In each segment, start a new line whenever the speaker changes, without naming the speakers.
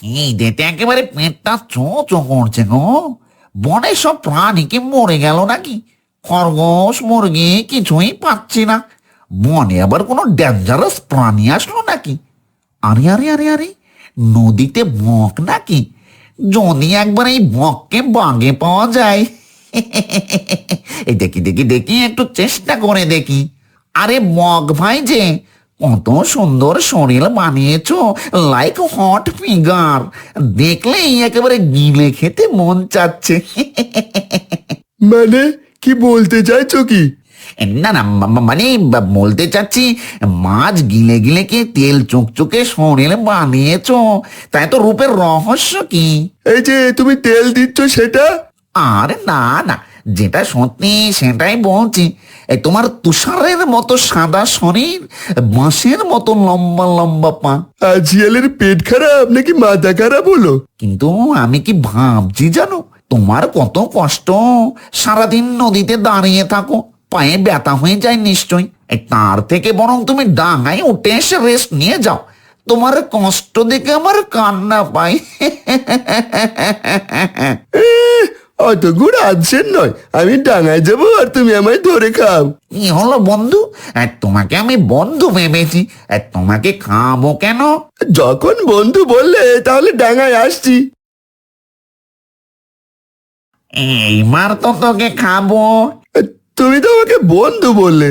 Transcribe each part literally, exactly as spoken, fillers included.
খিদেতে একেবারে পেটটা চো চো করছে গো। বনে সব প্রাণী কি মরে গেল নাকি? খরগোশ মুরগি কিছুই পাচ্ছি না। বনে আবার কোনো ডেঞ্জারাস প্রাণী আসলো নাকি? আরে আরে আরে আরে, নদীতে বক নাকি? যদি একবার এই বককে বাগে পাওয়া যায়। এই দেখি দেখি দেখি, একটু চেষ্টা করে দেখি। আরে বক ভাই যে, কত সুন্দর শরীর বানিয়েছো, লাইক হট ফিগার। দেখলেই একেবারে গিলে খেতে মন চাচ্ছে।
মানে কি বলতে চাইছো কি?
না না, মা- মানে বা- বলতে চাচ্ছি, মাছ গিলে গিলে কি তেল চুকচুকে শরীর বানিয়েছো, তাই তো রূপের রহস্য কি?
এই যে তুমি তেল দিচ্ছ সেটা?
আরে না না, যেটা সত্যি সেটাই বলছি। এই তোমার তুষারের মতো সাদা শরীর, বাঁশের মতো লম্বা লম্বা পা।
আর শিয়ালের পেট খারাপ নাকি মাথা খারাপ হলো?
কিন্তু আমি কি ভাবছি জানো, তোমার কত কষ্ট, সারাদিন নদীতে দাঁড়িয়ে থাকো, পায়ে ব্যথা হয়ে যায় নিশ্চয়ই। এই তার থেকে বরং তুমি ডাঙায় উঠে এসে রেস্ট নিয়ে যাও। তোমার কষ্ট দেখে আমার কান্না পায়।
এহ, অত গুড় আনছেন নয়, আমি ডাঙায় যাবো আর তুমি আমায় ধরে খাও।
কি হলো বন্ধু, আর তোমাকে আমি বন্ধু ভেবেছি, আর তোমাকে খাবো কেন?
যখন বন্ধু বললে তাহলে ডাঙায় আসছি।
এইবার তো তোকে খাবো।
তুমি তো আমাকে বন্ধু বললে।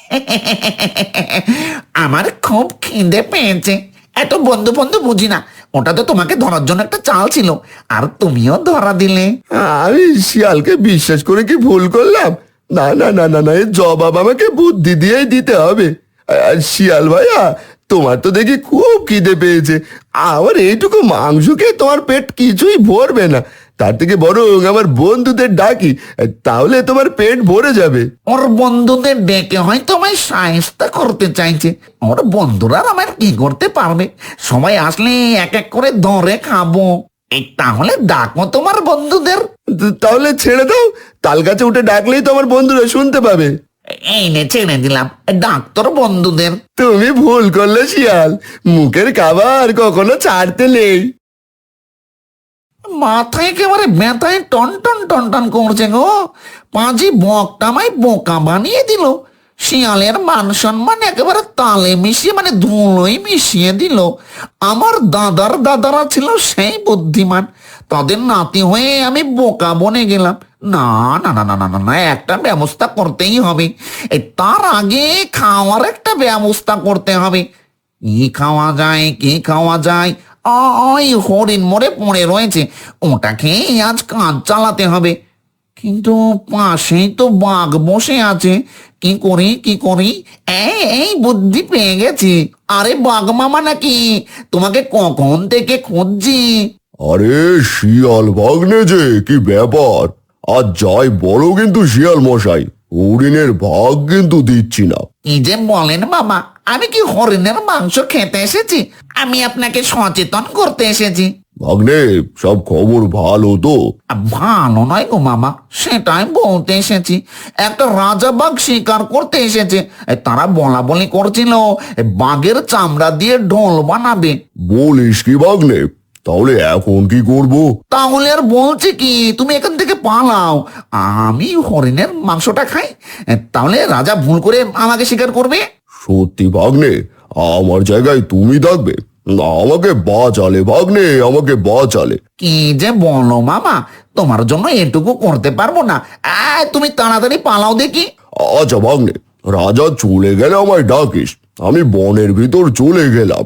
আমার খুব খিদে পেয়েছে। এত বন্ধু বন্ধু বুঝি না, ওটা তো তোমাকে ধরার জন্য একটা চাল ছিল, আর তুমিও ধরা দিলে।
আমি শিয়ালকে বিশ্বাস করে কি ভুল করলাম? না না না না না, এর জবাব আমাকে বুদ্ধি দিয়েই দিতে হবে। আর শিয়াল ভাইয়া, তোমার তো দেখি খুব খিদে পেয়েছে। আমার এইটুকু মাংস খেয়ে তোমার পেট কিছুই ভরবে না। তার থেকে বরং আমার বন্ধুদের ডাকি, তাহলে তোমার পেট ভরে যাবে।
ওর বন্ধুদের ডেকে হয়তো আমায় সাহেস্তা করতে চাইছে। ওর বন্ধুরা আর আমায় কি করতে পারবে? সবাই আসলে এক এক করে ধরে খাবো। এই তাহলে ডাকো তোমার বন্ধুদের।
তাহলে ছেড়ে দাও, তাল গাছে উঠে ডাকলেই তো আমার বন্ধুরা শুনতে পাবে।
এই নে, ছেড়ে দিলাম, ডাক তোর বন্ধুদের।
তুমি ভুল করলে শিয়াল, মুখের খাবার কখনো ছাড়তে নেই।
মাথায় একেবারে ব্যথায় টন টন টন টন করছে গো। পাঁজি বকটা আমায় বোকা বানিয়ে দিল। শিয়ালের মান সম্মান একেবারে তালে মিশিয়ে, মানে ধুলোই মিশিয়ে দিল। আমার দাদার দাদারা ছিল সেই বুদ্ধিমান, তাদের নাতি হয়ে আমি বোকা বনে গেলাম। না না না না না না না, একটা ব্যবস্থা করতেই হবে। এই তার আগে খাওয়ার একটা ব্যবস্থা করতে হবে। কি খাওয়া যায়, কি খাওয়া যায়? ওই হরিণ মরে পড়ে রয়েছে, ওটা খেয়ে আজ কাজ চালাতে হবে। কিন্তু পাশেই তো বাঘ বসে আছে, কি করি কি করি? এই এই বুদ্ধি পেয়ে গেছি। আরে বাঘ মামা নাকি? তোমাকে কখন থেকে খুঁজছি।
আরে শিয়াল ভাগ্নে যে, কি ব্যাপার? আজ যাই বলো কিন্তু শিয়াল মশাই, হরিণের ভাগ কিন্তু দিচ্ছি না।
কি যে বলেন বাবা, আমি কি হরিণের মাংস খেতে এসেছি? আমি আপনাকে সচেতন করতে এসেছি।
ভাগ্নে, সব খবর ভালো তো?
আ, ভালো নয় গো মামা, সেটাই বলতে এসেছি। একটা রাজা বাঘ শিকার করতে এসেছে। এ, তারা বলা বলি করছিল এ, বাঘের চামড়া দিয়ে ঢোল বানাবে।
বলিস কি ভাগ্নে? তাহলে এখন কি করব?
তাহলে আর বলছি কি, তুমি এখান থেকে পালাও, আমি হরিণের মাংসটা খাই। এ, তাহলে রাজা ভুল করে আমাকে শিকার করবে।
সত্যি ভাগ্নে, আমার জায়গায় তুমি থাকবে? আমাকে বাঁচালে ভাগ্নে, আমাকে বাঁচালে।
কি যে বলো মামা, তোমার জন্য এটুকু করতে পারবো না? আ, তুমি তাড়াতাড়ি পালাও দেখি।
আচ্ছা ভাগ্নে, রাজা চলে গেলে আমায় ডাকিস। আমি বনের ভিতর চলে গেলাম।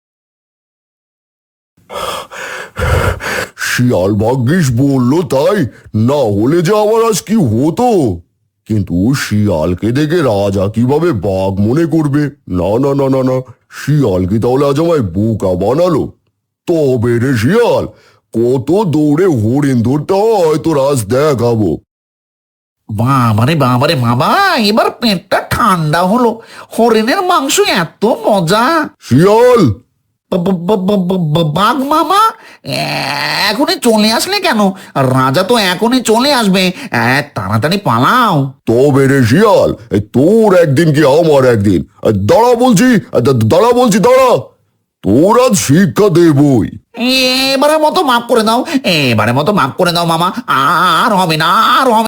শিয়াল ভাগ্যিস বললো তাই, না হলে যে আমার আজ কি হতো। কিন্তু শিয়ালকে দেখে রাজা কিভাবে বাঘ মনে করবে? না না না না না, শিয়াল কি তাহলে আজ আমায় বোকা বানালো? তবে রে শিয়াল, কত দৌড়ে হরিণ ধরতে হয় তোর আজ দেখাবো।
বাবারে বাবারে বাবা, এবার পেটটা ঠান্ডা হলো। হরিণের মাংস এত মজা।
শিয়াল,
ব- ব- ব- ব- ব- ব- বাঘ মামা, এ- এখনই চলে আসলে কেন? রাজা তো এখনই চলে আসবে। এ, তাড়াতাড়ি পালাও।
তবে রে শিয়াল, এই তোর একদিন কি আমার একদিন। দাঁড়া বলছি, দা- দাঁড়া বলছি, দাঁড়া। তোর আজ শিক্ষা দেবই।
এবারের মতো মাফ করে দাও, এবারের মতো মাফ করে দাও মামা, আর হবে না, আর হবে